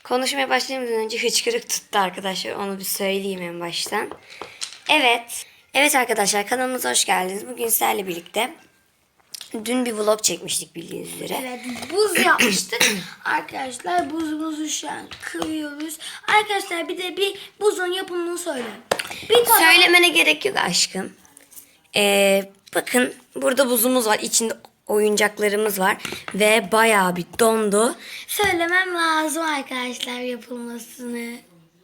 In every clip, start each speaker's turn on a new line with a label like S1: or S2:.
S1: Konuşmaya başlamadan önce hıçkırık tuttu arkadaşlar. Onu bir söyleyeyim en baştan. Evet. Evet arkadaşlar, kanalımıza hoş geldiniz. Bugün sizlerle birlikte dün bir vlog çekmiştik bildiğiniz üzere.
S2: Evet, buz yapmıştık. Arkadaşlar buzumuzu şu an kırıyoruz. Arkadaşlar bir de bir buzun yapımını söyle.
S1: Söylemene gerek yok aşkım. Bakın burada buzumuz var. İçinde oyuncaklarımız var. Ve bayağı bir dondu.
S2: Söylemem lazım arkadaşlar yapılmasını.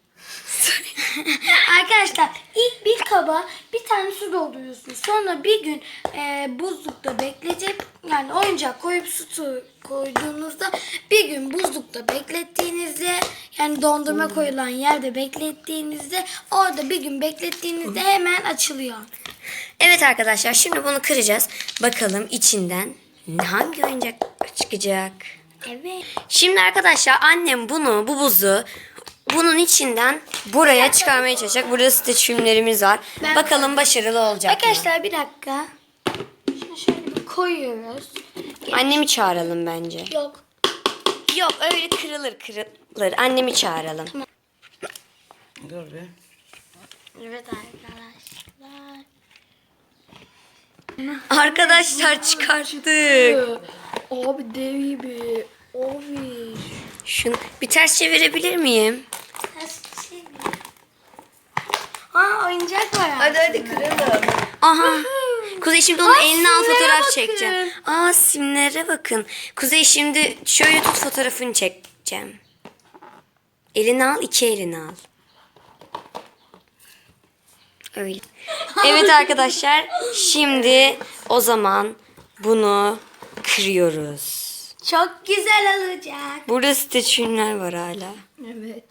S2: Arkadaşlar ilk bir kaba bir tane su dolduruyorsunuz. Sonra bir gün buzlukta bekletip yani oyuncak koyup su koyduğunuzda bir gün buzlukta beklettiğinizde yani dondurma koyulan yerde beklettiğinizde orada bir gün beklettiğinizde hemen açılıyor.
S1: Evet arkadaşlar, şimdi bunu kıracağız. Bakalım içinden hangi oyuncak çıkacak.
S2: Evet.
S1: Şimdi arkadaşlar annem bu buzu bunun içinden buraya çıkarmaya çalışacak. Burada streçimlerimiz var. Bakalım başarılı olacak mı?
S2: Arkadaşlar bir dakika. Şunu şöyle bir koyuyoruz.
S1: Annemi çağıralım bence.
S2: Yok.
S1: Yok, öyle kırılır. Annemi çağıralım.
S3: Dur bir.
S2: Evet arkadaşlar.
S1: Arkadaşlar çıkarttık.
S2: Abi dev gibi. Abi.
S1: Şunu bir ters çevirebilir miyim?
S2: Aa oyuncak var.
S3: Hadi kıralım.
S1: Aha. Kuzey şimdi onun eline al,
S2: simlere
S1: fotoğraf
S2: bakın.
S1: çekeceğim. Aa, simlere bakın. Kuzey şimdi şöyle tut, fotoğrafını çekeceğim. Elini al, iki elini al. Öyle. Evet arkadaşlar, şimdi o zaman bunu kırıyoruz.
S2: Çok güzel olacak.
S1: Burada streçimler var hala.
S2: Evet.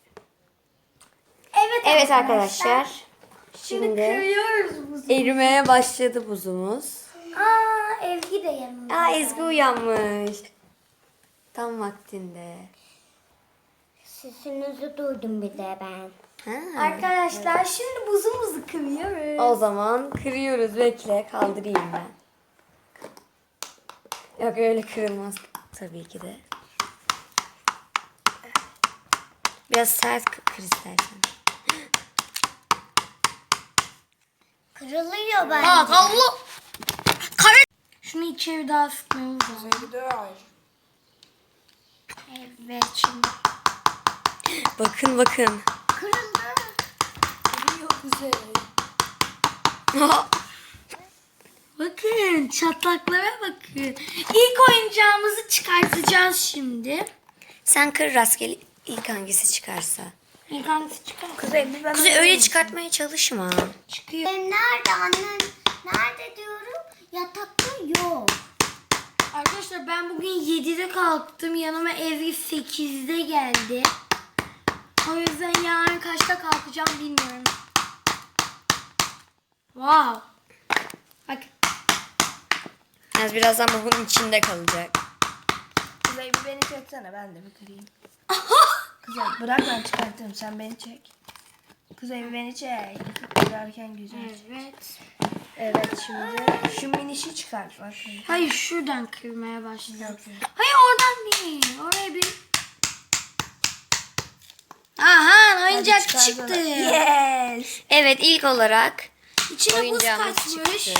S1: Evet arkadaşlar.
S2: Şimdi
S1: Şimdi
S2: kırıyoruz buzu.
S1: erimeye başladı buzumuz.
S2: Aa Ezgi de yanımda.
S1: Aa, Ezgi uyanmış. Tam vaktinde.
S4: Sesinizi duydum bir de ben.
S1: Ha.
S2: Arkadaşlar şimdi buzumuzu kırıyoruz.
S1: O zaman kırıyoruz. Bekle, kaldırayım ben. Yok, öyle kırılmaz tabii ki de. Biraz sert kır istersen.
S4: Kırılıyor bence.
S2: Aa Allah. Şunu içeri daha sıkmamız lazım. Evet şimdi.
S1: Bakın bakın.
S4: Kırıldı.
S2: Bakın çatlaklara bakın. İlk oyuncağımızı çıkartacağız şimdi.
S1: Sen kır rastgele, ilk hangisi çıkarsa.
S2: İlk hangisi çıkar?
S1: Kuzey öyle çıkartmaya çalışma.
S2: Çıkıyor.
S4: Nerede annem? Nerede diyorum? Yatakta yok.
S2: Arkadaşlar ben bugün 7'de kalktım. Yanıma Ezgi 8'de geldi. O yüzden yarın kaçta kalkacağım bilmiyorum. Wow. Bak.
S1: Yalnız birazdan bu bunun içinde kalacak.
S3: Kuzey bir beni çeksene, ben de bir kırayım. Kuzey bırak, ben çıkartırım, sen beni çek. Kuzey bir beni çek. Kırarken güzel.
S2: Evet.
S3: Evet, şimdi şu minişi çıkart bak.
S2: Hayır şuradan kırmaya başladım.
S3: Yok.
S2: Hayır oradan değil. Oraya bir... Aha oyuncak
S3: çıkar
S2: çıktı.
S3: sana. Yes.
S1: Evet, ilk olarak
S2: İçine buz
S1: oyuncağımız
S2: kaçmış.
S1: çıktı.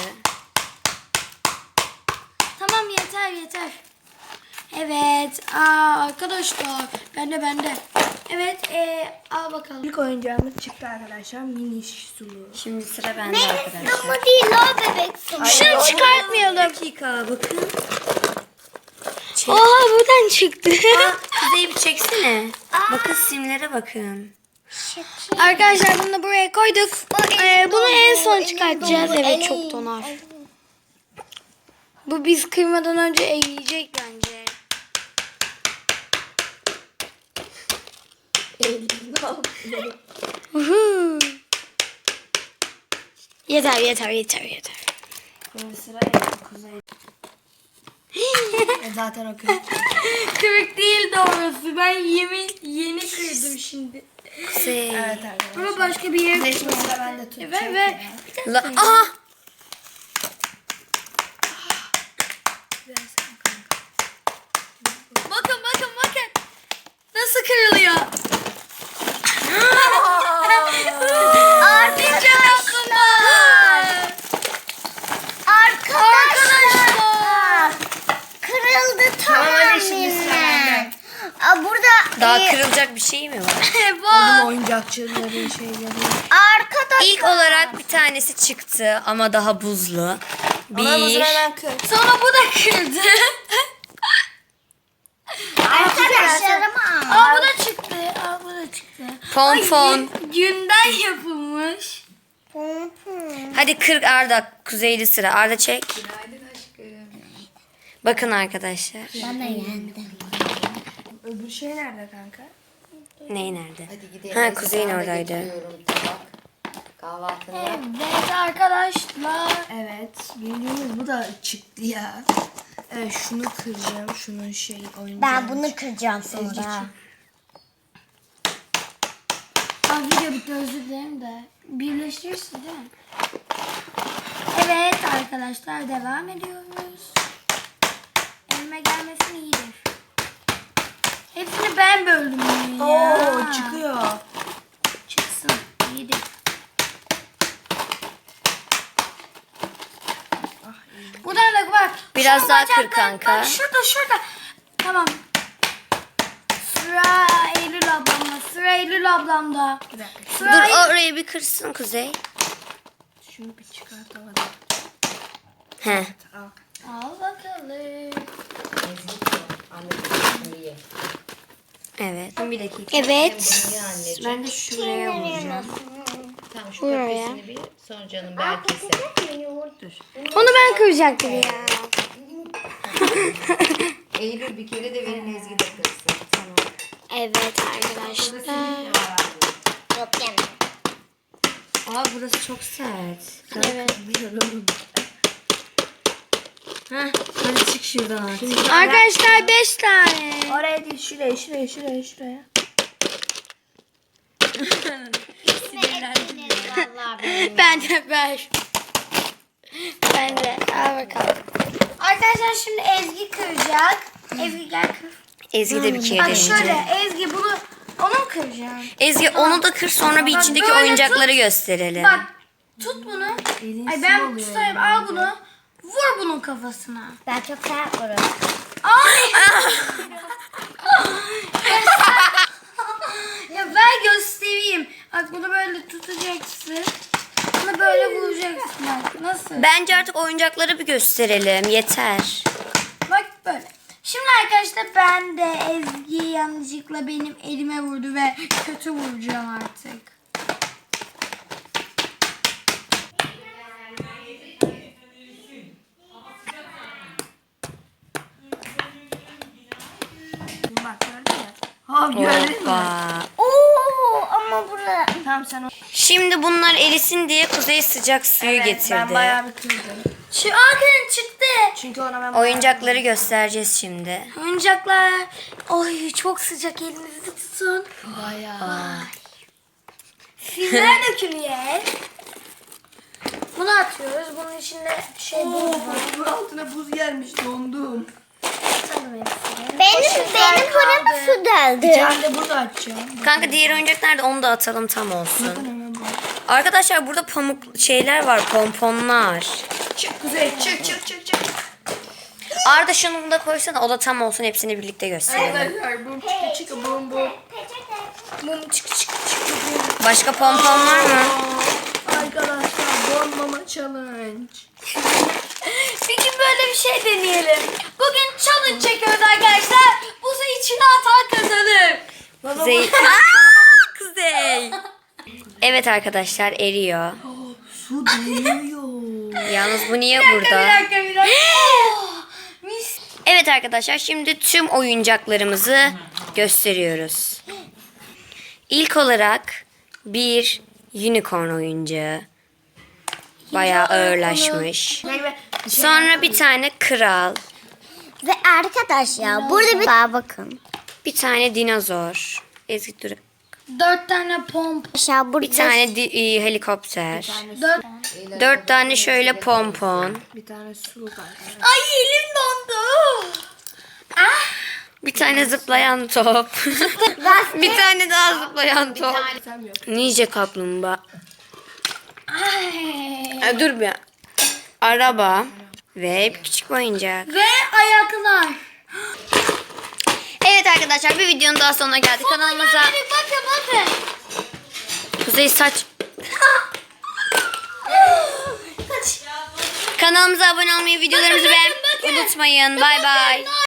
S2: Tamam yeter. Evet. Arkadaşlar. Bende. Evet. Al bakalım.
S3: İlk oyuncağımız çıktı arkadaşlar. Miniş sulu.
S1: Şimdi sıra bende arkadaşlar.
S4: Ama değil o bebek sulu.
S2: Şunu çıkartmayalım.
S1: Dakika bakın.
S2: Oha buradan çıktı.
S1: Kuzey bir çeksene. Bakın simlere bakın.
S2: Arkadaşlar bunu da buraya koyduk. Bunu en son çıkartacağız.
S4: dolu,
S2: Evet
S4: elim.
S2: çok donar. Bu biz kıymadan önce eriyecek bence. Uhu. Yeter.
S3: Şimdi sıra Kuzey. Zaten o kırık.
S2: Kırık değil doğrusu. Ben yeni kırdım şimdi.
S1: Kuzey.
S3: Evet arkadaşlar.
S2: Ama başka bir yere
S3: Şimdi sıra bende tutacak.
S2: Ver.
S1: Aha! Bakın. Nasıl
S2: kırılıyor.
S4: Arkadaşlar. Kırıldı
S3: Tamam, hadi şimdi sıra
S4: tamamen.
S3: bende.
S4: Burada
S1: Daha kırılacak bir şey mi var?
S3: Oğlum oyuncakçıların şeyleri.
S4: arkadaşlar.
S1: İlk olarak bir tanesi çıktı ama daha buzlu.
S3: Ama bu
S1: Bir,
S3: sıra ben kır.
S2: Sonra bu da kırdı.
S4: Arkadaşlarıma.
S2: Aa bu da çıktı. Aa bu da çıktı.
S1: pompon.
S2: Günden yapılmış.
S1: Hadi kır Arda. Kuzeyli sıra. Arda çek. Bakın arkadaşlar.
S4: Bana yendim.
S3: Öbür şey nerede kanka?
S1: Ney nerede?
S5: Hadi gidelim.
S1: Ha, Kuzey'in oradaydı.
S5: Tabak. Kahvaltını yap.
S2: Evet arkadaşlar.
S3: Evet. Bildiğiniz bu da çıktı ya. Evet, şunu kıracağım. Şunun şey oyuncağı.
S4: Ben bunu kıracağım sonra.
S2: Aa video bitti, özür dilerim de. Birleştirirsin değil mi? Evet arkadaşlar devam ediyoruz. Elime gelmesin iyidir. Hepsini ben böldüm ya.
S3: Oo, çıkıyor.
S2: Çıksın iyidir. Buradan da bak.
S1: Biraz
S2: Şu
S1: daha kır
S2: bacaklar-
S1: kanka.
S2: Bak şurada. Tamam. Sıra Eylül ablamda. Sıra Eylül ablamda.
S3: Bir dakika.
S2: Sıra
S1: Dur orayı bir kırsın Kuzey.
S3: Şunu bir çıkartamadım.
S1: He.
S3: Al.
S2: Al bakalım.
S5: Anneciğim ye.
S1: Evet. Bir dakika.
S2: Evet.
S5: Ye anneciğim.
S1: Ben de şuraya vuracağım.
S5: Tamam şu kafesini bir sonra canım belki
S2: Onu ben kıracaktım ya.
S5: Eylül bir kere de verin Ezgi de kırsın. Tamam.
S2: Evet arkadaşlar.
S4: Yok yemem.
S1: Aa burası çok sert.
S2: Evet.
S1: Heh, hadi çık şuradan artık.
S2: Arkadaşlar 5 tane.
S3: Oraya değil, şuraya.
S2: Ben de ver. Ben de. Al bakalım. Arkadaşlar şimdi Ezgi kıracak. Ezgi gel kır.
S1: Ezgi de bir kere
S2: Bak
S1: deneyecek.
S2: şöyle Ezgi bunu onu mu kıracağım?
S1: Ezgi onu da kır sonra bir
S2: Bak,
S1: içindeki
S2: böyle
S1: oyuncakları
S2: tut.
S1: gösterelim.
S2: Bak tut bunu.
S3: Elin
S2: Ay
S3: su
S2: ben
S3: oluyor
S2: tutayım
S3: ya.
S2: al bunu. Vur bunun kafasına.
S4: Ben çok sert vururum.
S2: Ay. Ya ben göstereyim. Bak bunu böyle tutacaksın. Bunu böyle vuracaksın bak. Nasıl?
S1: Bence artık oyuncakları bir gösterelim. Yeter.
S2: Bak böyle. Şimdi arkadaşlar ben de Ezgi yanlışlıkla benim elime vurdu ve kötü vuracağım artık.
S3: Bak gördün mü? Ha gördün mü?
S1: Hoppa.
S4: Oo ama burada.
S3: Tamam sen o.
S1: Şimdi bunlar erisin diye Kuzey sıcak suyu getirdi.
S3: Ben bayağı bir kırdım.
S2: Şu Akın çıktı.
S3: Çünkü ona ben
S1: Oyuncakları göstereceğiz şimdi.
S2: Oyuncaklar. Oy çok sıcak, elinizi tutun.
S3: bayağı.
S2: Filler dökülüyor. Bunu atıyoruz. Bunun içinde şey buz var.
S3: Bu altına buz gelmiş, dondum.
S2: Atalım hepsini.
S4: Benim burama su deldi.
S3: Ben de burada açacağım.
S1: Kanka diğer oyuncak nerede? Onu da atalım tam olsun.
S3: Hemen bu.
S1: Arkadaşlar burada pamuk şeyler var, pomponlar.
S3: Çık Kuzey, çık.
S1: Arda şunu da koysana, o da tam olsun, hepsini birlikte gösterelim.
S3: Arkadaşlar bum çıkı bum bum.
S2: Mum çık.
S1: Başka pompon var mı?
S3: Arkadaşlar donmama challenge.
S2: Bir gün böyle bir şey deneyelim. Bugün challenge çekiyoruz arkadaşlar. Bu sayı içine atan kazanır.
S1: Kuzey. Kuzey. Evet arkadaşlar eriyor.
S3: Su değiyor.
S1: Yalnız bu niye
S2: Bir
S1: burada?
S2: dakika. Oh, mis.
S1: Evet arkadaşlar şimdi tüm oyuncaklarımızı gösteriyoruz. İlk olarak bir unicorn oyuncağı. Bayağı ağırlaşmış. Sonra bir tane kral.
S4: Ve arkadaşlar burada bir daha bakın.
S1: Bir tane dinozor. Ezgi dur.
S2: 4 tane pomp.
S4: Aşağı burada.
S1: Bir tane helikopter.
S2: 4.
S1: 4 tane şöyle pompon.
S3: Bir tane su var.
S2: Ay elim dondu. Ah.
S1: Bir tane zıplayan top. Bir tane daha zıplayan top. Ninja kaplumbağa. Dur bir. Araba ve bir küçük oyuncak.
S2: Ve ayaklar.
S1: Evet arkadaşlar, bir videonun daha sonuna geldik. Kanalımıza
S2: Bakın.
S1: Kuzey saç. Kanalımıza abone olmayı, videolarımızı beğenmeyi unutmayın. Bay bay.